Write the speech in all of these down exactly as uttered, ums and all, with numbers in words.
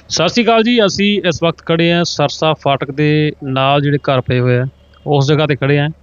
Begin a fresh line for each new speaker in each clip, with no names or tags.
ਸਤਿ ਸ਼੍ਰੀ ਅਕਾਲ ਜੀ। ਅਸੀਂ ਇਸ ਵਕਤ ਖੜੇ ਹਾਂ ਸਰਸਾ ਫਾਟਕ ਦੇ ਨਾਲ ਜਿਹੜੇ ਘਰ ਪਏ ਹੋਏ ਆ ਉਸ ਜਗ੍ਹਾ ਤੇ ਖੜੇ ਹਾਂ।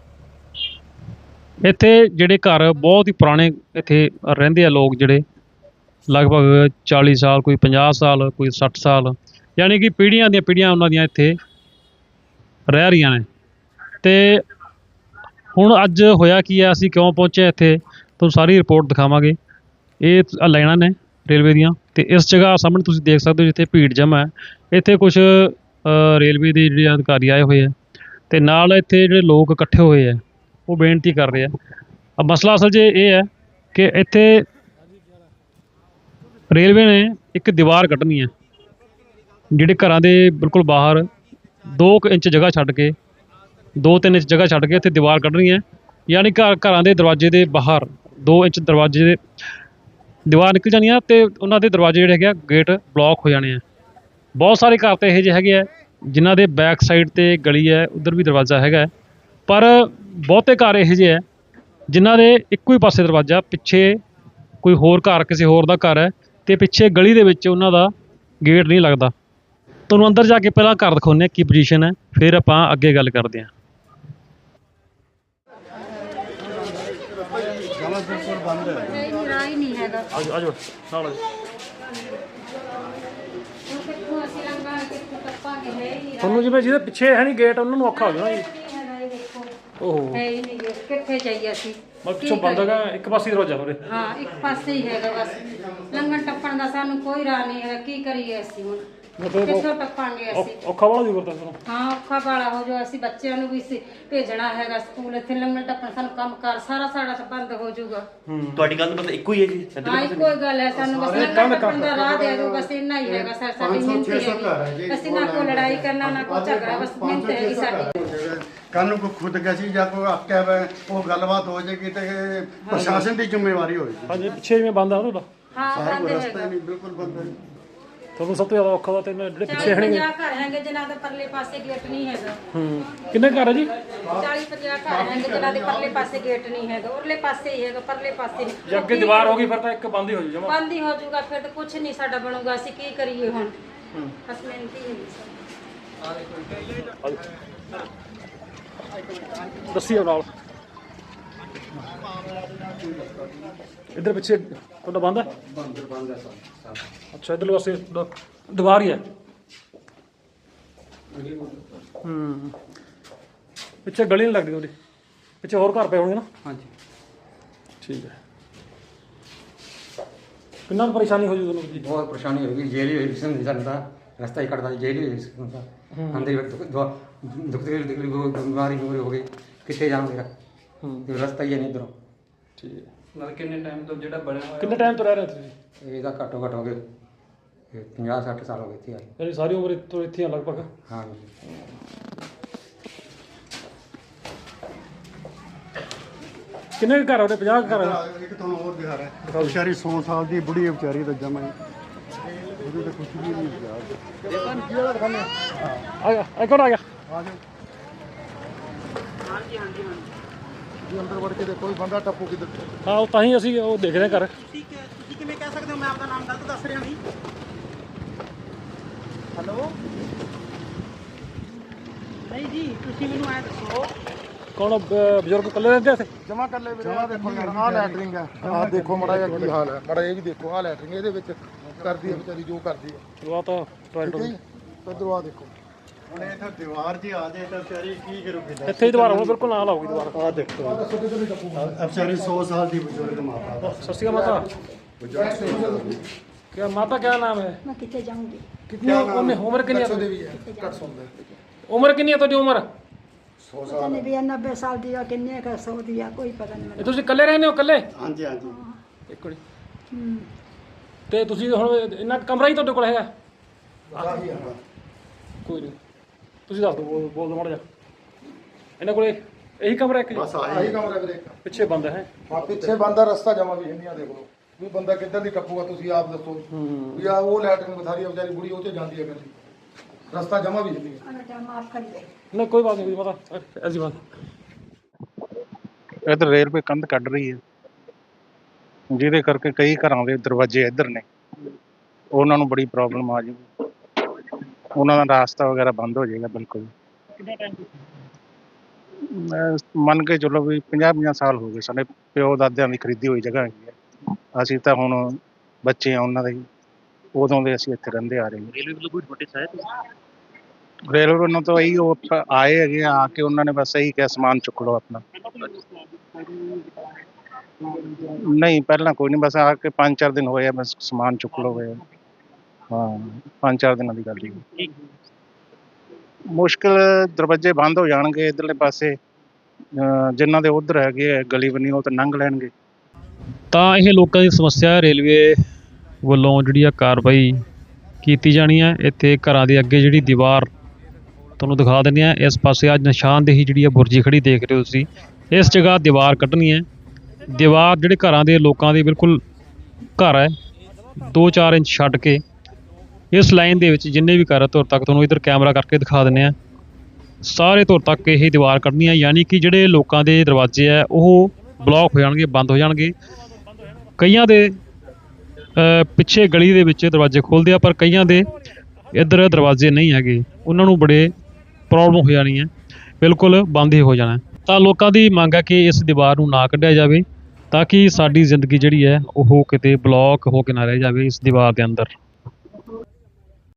ਇੱਥੇ ਜਿਹੜੇ ਘਰ ਬਹੁਤ ਹੀ ਪੁਰਾਣੇ ਇੱਥੇ ਰਹਿੰਦੇ ਆ ਲੋਕ, ਜਿਹੜੇ ਲਗਭਗ ਚਾਲੀ ਸਾਲ, ਕੋਈ ਪੰਜਾਹ ਸਾਲ, ਕੋਈ ਸੱਠ ਸਾਲ, ਯਾਨੀ ਕਿ ਪੀੜ੍ਹੀਆਂ ਦੀਆਂ ਪੀੜ੍ਹੀਆਂ ਉਹਨਾਂ ਦੀਆਂ ਇੱਥੇ ਰਹਿ ਰਹੀਆਂ ਨੇ। ਅਤੇ ਹੁਣ ਅੱਜ ਹੋਇਆ ਕੀ ਹੈ, ਅਸੀਂ ਕਿਉਂ ਪਹੁੰਚੇ ਇੱਥੇ, ਤੁਹਾਨੂੰ ਸਾਰੀ ਰਿਪੋਰਟ ਦਿਖਾਵਾਂਗੇ। ਇਹ ਲਾਈਨਾਂ ਨੇ ਰੇਲਵੇ ਦੀਆਂ, ਅਤੇ ਇਸ ਜਗ੍ਹਾ ਸਾਹਮਣੇ ਤੁਸੀਂ ਦੇਖ ਸਕਦੇ ਹੋ ਜਿੱਥੇ ਭੀੜ ਜਮ੍ਹਾਂ ਹੈ। ਇੱਥੇ ਕੁਛ ਰੇਲਵੇ ਦੇ ਜਿਹੜੇ ਅਧਿਕਾਰੀ ਆਏ ਹੋਏ ਆ, ਅਤੇ ਨਾਲ ਇੱਥੇ ਜਿਹੜੇ ਲੋਕ ਇਕੱਠੇ ਹੋਏ ਆ ਉਹ ਬੇਨਤੀ ਕਰ ਰਹੇ ਆ। ਮਸਲਾ ਅਸਲ 'ਚ ਇਹ ਹੈ ਕਿ ਇੱਥੇ ਰੇਲਵੇ ਨੇ ਇੱਕ ਦੀਵਾਰ ਕੱਢਣੀ ਹੈ, ਜਿਹੜੇ ਘਰਾਂ ਦੇ ਬਿਲਕੁਲ ਬਾਹਰ ਦੋ ਕੁ ਇੰਚ ਜਗ੍ਹਾ ਛੱਡ ਕੇ, ਦੋ ਤਿੰਨ ਇੰਚ ਜਗ੍ਹਾ ਛੱਡ ਕੇ ਇੱਥੇ ਦੀਵਾਰ ਕੱਢਣੀ ਹੈ। ਯਾਨੀ ਘਰ ਘਰਾਂ ਦੇ ਦਰਵਾਜ਼ੇ ਦੇ ਬਾਹਰ ਦੋ ਇੰਚ ਦਰਵਾਜ਼ੇ ਦੇ ਦੀਵਾਰ ਨਿਕਲ ਜਾਣੀ ਆ, ਅਤੇ ਉਹਨਾਂ ਦੇ ਦਰਵਾਜ਼ੇ ਜਿਹੜੇ ਹੈਗੇ ਆ ਗੇਟ ਬਲੋਕ ਹੋ ਜਾਣੇ ਆ। ਬਹੁਤ ਸਾਰੇ ਘਰ ਤਾਂ ਇਹੋ ਜਿਹੇ ਹੈਗੇ ਆ ਜਿਨ੍ਹਾਂ ਦੇ ਬੈਕ ਸਾਈਡ 'ਤੇ ਗਲੀ ਹੈ, ਉੱਧਰ ਵੀ ਦਰਵਾਜ਼ਾ ਹੈਗਾ, ਪਰ ਬਹੁਤੇ ਘਰ ਇਹੋ ਜਿਹੇ ਹੈ ਜਿਨ੍ਹਾਂ ਦੇ ਇੱਕੋ ਹੀ ਪਾਸੇ ਦਰਵਾਜ਼ਾ, ਪਿੱਛੇ ਕੋਈ ਹੋਰ ਘਰ, ਕਿਸੇ ਹੋਰ ਦਾ ਘਰ ਹੈ, ਅਤੇ ਪਿੱਛੇ ਗਲੀ ਦੇ ਵਿੱਚ ਉਹਨਾਂ ਦਾ ਗੇਟ ਨਹੀਂ ਲੱਗਦਾ। ਤੁਹਾਨੂੰ ਅੰਦਰ ਜਾ ਕੇ ਪਹਿਲਾਂ ਘਰ ਦਿਖਾਉਂਦੇ ਹਾਂ ਕੀ ਪੋਜੀਸ਼ਨ ਹੈ, ਫਿਰ ਆਪਾਂ ਅੱਗੇ ਗੱਲ ਕਰਦੇ ਹਾਂ। ਤੁਹਾਨੂੰ ਜਿਵੇਂ ਜਿਹਦੇ ਪਿੱਛੇ ਹੈ ਨਹੀਂ ਗੇਟ, ਉਹਨਾਂ ਨੂੰ ਔਖਾ ਹੋ ਜਾਣਾ ਜੀ। ਓਹੋ,
ਕਿੱਥੇ ਜਾਈਏ ਅਸੀਂ?
ਪਿੱਛੋਂ ਬੰਦ ਹੈਗਾ, ਇੱਕ ਪਾਸੇ ਦਰਵਾਜ਼ਾ ਹੋਰੇ।
ਹਾਂ, ਇੱਕ ਪਾਸੇ ਹੀ ਹੈਗਾ ਬਸ। ਲੰਘਣ ਟੱਪਣ ਦਾ ਸਾਨੂੰ ਕੋਈ ਰਾਹ ਨਹੀਂ ਹੈਗਾ। ਕੀ ਕਰੀਏ ਅਸੀਂ ਹੁਣ? ਕਿੱਥੋਂ ਟੱਪਾਂਗੇ ਅਸੀਂ?
ਔਖਾ ਵਾਲਾ ਜੀ ਕਰਦਾ ਤੁਹਾਨੂੰ।
ਹਾਂ, ਔਖਾ ਵਾਲਾ ਹੋ ਜਾਊ। ਅਸੀਂ ਬੱਚਿਆਂ ਨੂੰ ਵੀ ਭੇਜਣਾ ਹੈਗਾ ਸਕੂਲ, ਇੱਥੇ ਲੰਘਣ ਟੱਪਣ ਸਾਨੂੰ ਕੰਮ ਕਾਰ ਸਾਰਾ ਸਾਡਾ ਤਾਂ ਬੰਦ ਹੋ ਜਾਊਗਾ।
ਤੁਹਾਡੀ ਗੱਲ ਮਤਲਬ ਇੱਕੋ ਹੀ ਹੈ ਜੀ?
ਹਾਂ, ਇੱਕੋ ਹੀ ਗੱਲ ਹੈ। ਸਾਨੂੰ ਬਸ ਲੰਘਣ ਟੱਪਣ ਦਾ ਰਾਹ ਦੇ ਦਿਓ, ਬਸ ਇੰਨਾ ਹੀ ਹੈਗਾ ਸਰ। ਸਾਡੀ ਮਿਹਨਤ ਹੈਗੀ, ਅਸੀਂ ਨਾ ਕੋਈ ਲੜਾਈ ਕਰਨਾ ਨਾ ਕੋਈ ਝਗੜਾ, ਬਸ ਮਿਹਨਤ ਹੈਗੀ ਸਾਡੀ।
ਕੱਲ ਨੂੰ ਕੋਈ ਖੁਦਕਸ਼ੀ ਜਾਂ ਕੋਈ ਆਕਿਆ ਵਾ, ਉਹ ਗੱਲਬਾਤ ਹੋ ਜਾਏਗੀ ਤੇ ਪ੍ਰਸ਼ਾਸਨ ਦੀ ਜ਼ਿੰਮੇਵਾਰੀ ਹੋਏਗੀ।
ਹਾਂਜੀ, ਪਿੱਛੇ ਜਿਵੇਂ ਬੰਦ ਆ ਤੁਹਾਡਾ
ਹਾਂ,
ਸਾਰਾ
ਬੰਦ
ਕੋਈ ਰਸਤਾ
ਹੈਗਾ।
ਹੀ ਨਹੀਂ, ਬਿਲਕੁਲ ਬੰਦ ਹੈ।
ਤੁਹਾਨੂੰ ਸਭ ਤੋਂ ਜ਼ਿਆਦਾ ਔਖਾ ਵਾ ਤੇ ਜਿਹੜੇ ਪਿੱਛੇ ਹਣਗੇ।
ਪੰਜਾਹ ਘਰ ਹੈਗੇ ਜਿਨ੍ਹਾਂ ਦੇ ਪਰਲੇ ਪਾਸੇ ਗੇਟ ਨਹੀਂ ਹੈਗਾ।
ਹੂੰ, ਕਿੰਨੇ ਘਰ ਹੈ ਜੀ?
ਚਾਲੀ ਪੰਜਾਹ ਘਰ ਹੈਗੇ ਜਿਨ੍ਹਾਂ ਦੇ ਪਰਲੇ ਪਾਸੇ ਗੇਟ ਨਹੀਂ ਹੈਗਾ, ਉਰਲੇ ਪਾਸੇ ਹੀ ਹੈਗਾ, ਪਰਲੇ ਪਾਸੇ ਨਹੀਂ।
ਜੇ ਅੱਗੇ ਦੀਵਾਰ ਹੋ ਗਈ ਫਿਰ ਤਾਂ ਇੱਕ ਬੰਦ ਹੀ ਹੋ ਜੂ ਜਮਾ।
ਬੰਦ ਹੀ ਹੋ ਜਾਊਗਾ, ਫਿਰ ਤਾਂ ਕੁਝ ਨਹੀਂ ਸਾਡਾ ਬਣੂਗਾ। ਅਸੀਂ ਕੀ ਕਰੀਏ ਹੁਣ? ਬਸ ਮਿਹਨਤੀ ਹੈ
ਦੱਸੀ ਨਾਲ ਇੱਧਰ ਪਿੱਛੇ ਤੁਹਾਡਾ ਬੰਦ ਹੈ?
ਬੰਦ ਬੰਦ ਹੈ ਸਰ।
ਅੱਛਾ, ਇੱਧਰਲੇ ਪਾਸੇ ਦੀਵਾਰ ਹੀ ਹੈ। ਹੂੰ, ਪਿੱਛੇ ਗਲੀ ਨਹੀਂ ਲੱਗਦੀ ਉਹਦੀ, ਪਿੱਛੇ ਹੋਰ ਘਰ ਪਏ ਹੋਣਗੇ ਨਾ?
ਹਾਂਜੀ,
ਠੀਕ ਹੈ। ਕਿੰਨਾ ਕੁ ਪਰੇਸ਼ਾਨੀ ਹੋ ਜੂ ਤੁਹਾਨੂੰ ਜੀ?
बहुत परेशानी होगी। जेल ही नहीं चलता, रास्ता ही कटता, जेल ही नहीं अंदर दुख तकलीफ बीमारी बीमारी हो गई, कितने जाऊँ मेरा रास्ता ही है नहीं इधरों।
ਠੀਕ ਹੈ।
ਮਤਲਬ ਕਿੰਨੇ ਟਾਈਮ ਤੋਂ ਜਿਹੜਾ ਬਣਿਆ ਹੋਇਆ?
ਕਿੰਨੇ ਟਾਈਮ ਤੋਂ ਰਹਿ ਰਹੇ ਹੋ ਤੁਸੀਂ?
ਇਹਦਾ ਘੱਟੋ ਘੱਟ ਹੋ ਗਏ ਪੰਜਾਹ ਸੱਠ ਸਾਲ ਹੋ ਗਏ ਇੱਥੇ ਆਏ।
ਯਾਨੀ ਸਾਰੀ ਉਮਰ ਇੱਥੋਂ ਇੱਥੇ ਆ ਲਗਭਗ?
ਹਾਂ ਜੀ।
ਕਿੰਨੇ ਕੁ ਘਰ ਉਹਦੇ? ਪੰਜਾਹ ਘਰ?
ਇੱਕ ਤੁਹਾਨੂੰ ਹੋਰ ਦਿਖਾ ਰਿਹਾ, ਵਿਚਾਰੀ ਸੌ ਸਾਲ ਦੀ ਬੁੜੀ ਹੈ ਵਿਚਾਰੀ, ਤਾਂ ਜਮਾ ਹੀ ਉਹਦੀ ਤਾਂ ਕੁਝ ਵੀ ਨਹੀਂ ਯਾਰ।
ਆ ਗਿਆ, ਇੱਕ ਹੋਰ ਆ ਗਿਆ।
ਆ ਜਾਓ। ਹਾਂਜੀ ਹਾਂਜੀ ਜੀ, ਅੰਦਰ ਵੜ ਕੇ ਦੇਖੋ ਵੀ ਬੰਦਾ ਟੱਪੂ ਕਿੱਧਰ।
ਹਾਂ, ਉਹ ਤਾਂ ਹੀ ਅਸੀਂ ਉਹ ਦੇਖ ਰਹੇ ਘਰ।
ਤੁਸੀਂ ਤੁਸੀਂ ਕਿਵੇਂ ਕਹਿ ਸਕਦੇ ਹੋ? ਮੈਂ ਆਪਦਾ ਨਾਮ ਗਲਤ ਦੱਸ ਰਿਹਾ ਨਹੀਂ। ਹੈਲੋ, ਨਹੀਂ ਜੀ, ਤੁਸੀਂ ਮੈਨੂੰ ਐ ਦੱਸੋ।
ਕੌਣ ਬਜ਼ੁਰਗ ਇਕੱਲੇ ਰਹਿੰਦੇ ਇੱਥੇ?
ਜਮਾ ਕਰ ਲੈ ਵੀਰੇ, ਆ ਦੇਖੋ ਯਾਰ, ਆਹ ਲੈਟਰਿੰਗ ਹੈ। ਆਹ ਦੇਖੋ ਮਾੜਾ ਜਿਹਾ ਕੀ ਹਾਲ ਹੈ, ਮਾੜਾ ਇਹ ਵੀ ਦੇਖੋ। ਆਹ ਲੈਟਰਿੰਗ, ਇਹਦੇ ਵਿੱਚ ਕਰਦੀ ਹੈ ਵਿਚਾਰੀ ਜੋ ਕਰਦੀ ਹੈ।
ਉਹ ਤਾਂ ਟਾਇਲਟ
ਠੀਕ ਹੈ ਜੀ, ਇੱਧਰੋਂ ਆਹ ਦੇਖੋ। ਹੁਣ ਇਹ ਤਾਂ ਦੀਵਾਰ 'ਚ ਆ ਜਾਏ ਤਾਂ ਵਿਚਾਰੀ ਕੀ ਕਰੂਗੀ?
ਇੱਥੇ ਹੀ ਦੀਵਾਰ ਹੁਣ ਬਿਲਕੁਲ ਨਾਲ ਆਊਗੀ ਦੀਵਾਰ।
ਆਹ ਦੇਖੋ, ਆਹ ਵਿਚਾਰੀ ਸੌ ਸਾਲ ਦੀ ਬਜ਼ੁਰਗ ਮਾਤਾ।
ਸਤਿ ਸ਼੍ਰੀ ਅਕਾਲ ਮਾਤਾ। क्या माता क्या नाम है?
मैं कितने जाऊंगी?
कितनी उम्र उम्र कितनी है?
ਵੀ ਹੈ, ਘੱਟ ਸੁਣਦਾ
उम्र कितनी है ਤੁਹਾਡੀ ਉਮਰ?
ਸੌ
पता नहीं भैया, नब्बे साल दिया किन्ने का सौ दिया, कोई पता नहीं
ਇਹ ਤੁਸੀਂ ਇਕੱਲੇ ਰਹਿੰਦੇ ਹੋ? ਇਕੱਲੇ?
ਹਾਂਜੀ ਹਾਂਜੀ।
ਇੱਕ ਮਿੰਟ।
हम्म,
ਤੇ ਤੁਸੀਂ ਹੁਣ ਇੰਨਾ ਕਮਰਾ ਹੀ ਤੁਹਾਡੇ ਕੋਲ ਹੈਗਾ?
ਆਹੀ ਆ।
ਕੋਈ ਨਹੀਂ, ਤੁਸੀਂ ਦੱਸ ਦਿਓ, ਬੋਲ ਬੋਲ ਦਿਓ ਮਾੜਾ ਜਿਹਾ। ਇਹਨਾਂ ਕੋਲੇ ਇਹੀ ਕਮਰਾ ਇੱਕ?
ਬਸ ਆਹੀ ਕਮਰਾ ਵੀਰੇ।
ਪਿੱਛੇ ਬੰਦ ਹੈ?
ਹਾਂ, ਪਿੱਛੇ ਬੰਦਾ, ਰਸਤਾ ਜਮਾ ਵੀ ਨਹੀਂ ਆ। ਦੇਖ ਲਓ ਵੀ ਬੰਦਾ ਕਿੱਧਰ ਦੀ ਟੱਪੂਗਾ, ਤੁਸੀਂ ਆਪ ਦੱਸੋ ਵੀ ਆ ਉਹ ਲੈਟਰਿੰਗ ਬਥਾਰੀ ਵਿਚਾਰੀ ਬੁੜੀ ਉਹ ਤੇ ਜਾਂਦੀ ਹੈ, ਕਹਿੰਦੀ ਰਸਤਾ ਜਮਾ ਵੀ ਨਹੀਂ।
बेटा माफ कर दे।
ਨਹੀਂ ਕੋਈ ਬਾਤ ਨਹੀਂ ਮਾਤਾ, ਐਸੀ ਬਾਤ।
ਇੱਧਰ ਰੇਲਵੇ ਕੰਧ ਕੱਢ ਰਹੀ ਹੈ, ਜਿਹਦੇ ਕਰਕੇ ਕਈ ਘਰਾਂ ਦੇ ਦਰਵਾਜ਼ੇ ਇੱਧਰ ਨੇ ਉਹਨਾਂ ਨੂੰ ਬੜੀ ਪ੍ਰੋਬਲਮ ਆ ਜੂਗੀ, ਉਹਨਾਂ ਦਾ ਰਾਸਤਾ ਵਗੈਰਾ ਬੰਦ ਹੋ ਜਾਏਗਾ ਬਿਲਕੁਲ। ਮੈਂ ਮੰਨ ਕੇ ਚਲੋ ਵੀ ਪੰਜਾਹ ਪੰਜਾਹ ਸਾਲ ਹੋ ਗਏ, ਸਾਡੇ ਪਿਓ ਦਾਦਿਆਂ ਦੀ ਖਰੀਦੀ ਹੋਈ ਜਗ੍ਹਾ ਹੈਗੀ ਹੈ। ਅਸੀਂ ਤਾਂ ਹੁਣ ਬੱਚੇ ਆ ਉਹਨਾਂ ਦੇ ਹੀ, ਉਦੋਂ ਦੇ ਅਸੀਂ ਇੱਥੇ ਰਹਿੰਦੇ ਆ ਰਹੇ ਹਾਂ।
ਰੇਲਵੇ ਵੱਲੋਂ ਕੋਈ ਨੋਟਿਸ ਆਇਆ ਤੁਸੀਂ?
ਰੇਲਵੇ ਵੱਲੋਂ ਤਾਂ ਇਹੀ ਉਹ ਪ- ਆਏ ਹੈਗੇ ਆ ਕੇ ਉਹਨਾਂ ਨੇ ਬਸ ਇਹੀ ਕਿਹਾ ਸਮਾਨ ਚੁੱਕ ਲਓ ਆਪਣਾ। ਨਹੀਂ ਪਹਿਲਾਂ ਕੋਈ ਨਹੀਂ, ਬਸ ਆ ਕੇ ਪੰਜ ਚਾਰ ਦਿਨ ਹੋਏ ਆ, ਬਸ ਸਮਾਨ ਚੁੱਕ ਲਓ ਗਏ। ਹਾਂ ਪੰਜ ਚਾਰ ਦਿਨਾਂ ਦੀ ਗੱਲ ਹੀ। ਮੁਸ਼ਕਿਲ ਦਰਵਾਜ਼ੇ ਬੰਦ ਹੋ ਜਾਣਗੇ ਇੱਧਰਲੇ ਪਾਸੇ, ਅਹ ਜਿਨ੍ਹਾਂ ਦੇ ਉੱਧਰ ਹੈਗੇ ਆ ਗਲੀ ਬਣੀ ਉਹ ਤਾਂ ਲੰਘ ਲੈਣਗੇ।
ਤਾਂ ਇਹ ਲੋਕਾਂ ਦੀ ਸਮੱਸਿਆ ਹੈ, ਰੇਲਵੇ ਵੱਲੋਂ ਜਿਹੜੀ ਆ ਕਾਰਵਾਈ ਕੀਤੀ ਜਾਣੀ ਹੈ। ਇੱਥੇ ਘਰਾਂ ਦੇ ਅੱਗੇ ਜਿਹੜੀ ਦੀਵਾਰ ਤੁਹਾਨੂੰ ਦਿਖਾ ਦਿੰਦੇ ਹਾਂ, ਇਸ ਪਾਸੇ ਅੱਜ ਨਿਸ਼ਾਨਦੇਹੀ ਜਿਹੜੀ ਆ ਬੁਰਜੀ ਖੜੀ ਦੇਖ ਰਹੇ ਹੋ ਤੁਸੀਂ, ਇਸ ਜਗ੍ਹਾ ਦੀਵਾਰ ਕੱਢਣੀ ਹੈ। ਦੀਵਾਰ ਜਿਹੜੇ ਘਰਾਂ ਦੇ ਲੋਕਾਂ ਦੇ ਬਿਲਕੁਲ ਘਰ ਹੈ ਦੋ ਚਾਰ ਇੰਚ ਛੱਡ ਕੇ ਇਸ ਲਾਈਨ ਦੇ ਵਿੱਚ ਜਿੰਨੇ ਵੀ ਘਰ ਧੁਰ ਤੱਕ ਤੁਹਾਨੂੰ ਇੱਧਰ ਕੈਮਰਾ ਕਰਕੇ ਦਿਖਾ ਦਿੰਦੇ ਹਾਂ, ਸਾਰੇ ਧੁਰ ਤੱਕ ਇਹ ਦੀਵਾਰ ਕੱਢਣੀ ਹੈ। ਯਾਨੀ ਕਿ ਜਿਹੜੇ ਲੋਕਾਂ ਦੇ ਦਰਵਾਜ਼ੇ ਹੈ ਉਹ ਬਲੌਕ ਹੋ ਜਾਣਗੇ, ਬੰਦ ਹੋ ਜਾਣਗੇ। ਕਈਆਂ ਦੇ ਅ, ਪਿੱਛੇ ਗਲੀ ਦੇ ਵਿੱਚ ਦਰਵਾਜ਼ੇ ਖੁੱਲ੍ਹਦੇ ਆ, ਪਰ ਕਈਆਂ ਦੇ ਇੱਧਰ ਦਰਵਾਜ਼ੇ ਨਹੀਂ ਹੈਗੇ, ਉਹਨਾਂ ਨੂੰ ਬੜੇ ਪ੍ਰੋਬਲਮ ਹੋ ਜਾਣੀ ਹੈ, ਬਿਲਕੁਲ ਬੰਦ ਹੀ ਹੋ ਜਾਣਾ। ਤਾਂ ਲੋਕਾਂ ਦੀ ਮੰਗ ਹੈ ਕਿ ਇਸ ਦੀਵਾਰ ਨੂੰ ਨਾ ਕੱਢਿਆ ਜਾਵੇ, ਤਾਂ ਕਿ ਸਾਡੀ ਜ਼ਿੰਦਗੀ ਜਿਹੜੀ ਹੈ ਉਹ ਕਿਤੇ ਬਲੌਕ ਹੋ ਕੇ ਨਾ ਰਹਿ ਜਾਵੇ ਇਸ ਦੀਵਾਰ ਦੇ ਅੰਦਰ।